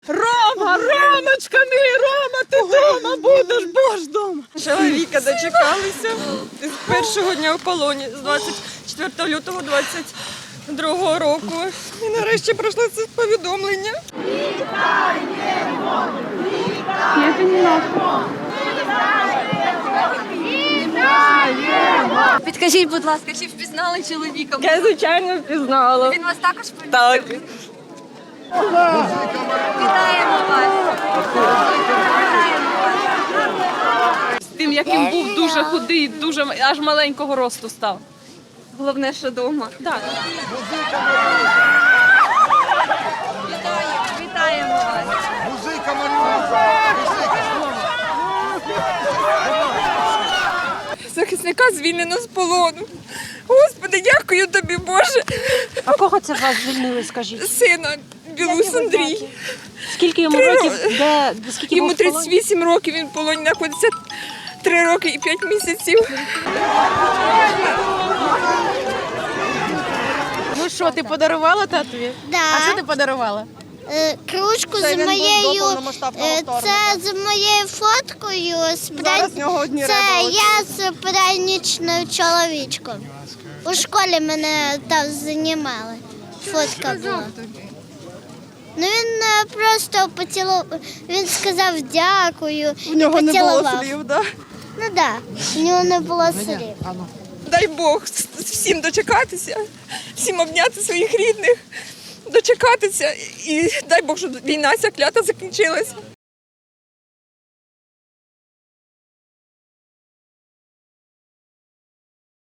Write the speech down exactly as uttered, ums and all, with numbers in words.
Рома, Ромочка мій, Рома, ти вдома будеш, бож дома. Чоловіка дочекалися з першого дня в полоні, з двадцять четвертого лютого двадцять другого року. І нарешті пройшло це повідомлення. Вітаємо! Вітаємо! Вітаємо! Підкажіть, будь ласка, чи впізнали чоловіка? Я, звичайно, впізнала. Він вас також Так. Вітаємо вас. З тим, як він був дуже худий, дуже аж маленького росту став. Головне, що вдома. Так. Вітаємо вас. Музика, Маріуха! Захисника звільнено з полону. Господи, дякую тобі, Боже. А кого це вас звільнили, скажіть? Сина Білус Андрій. Скільки йому Три років? роки. Де, скільки Йому був в полоні? тридцять вісім років, він в полоні знаходиться три роки і п'ять місяців. Ну що, ти подарувала татові? Да. А що ти подарувала? Е, Кружку Це з він був до моєю, повномасштабного е, вторгнення. це з моєю фоткою. З Зараз пран- в нього одні Це реби я з пранічною чоловічком. У школі мене там знімали. Фотка була. Ну він е, просто поцілував, він сказав дякую У нього і не було поцілував. слів, да? Ну так, да, у нього не було слів. Дай Бог с- всім дочекатися, всім обняти своїх рідних, дочекатися і дай Бог, щоб війна ця клята закінчилась.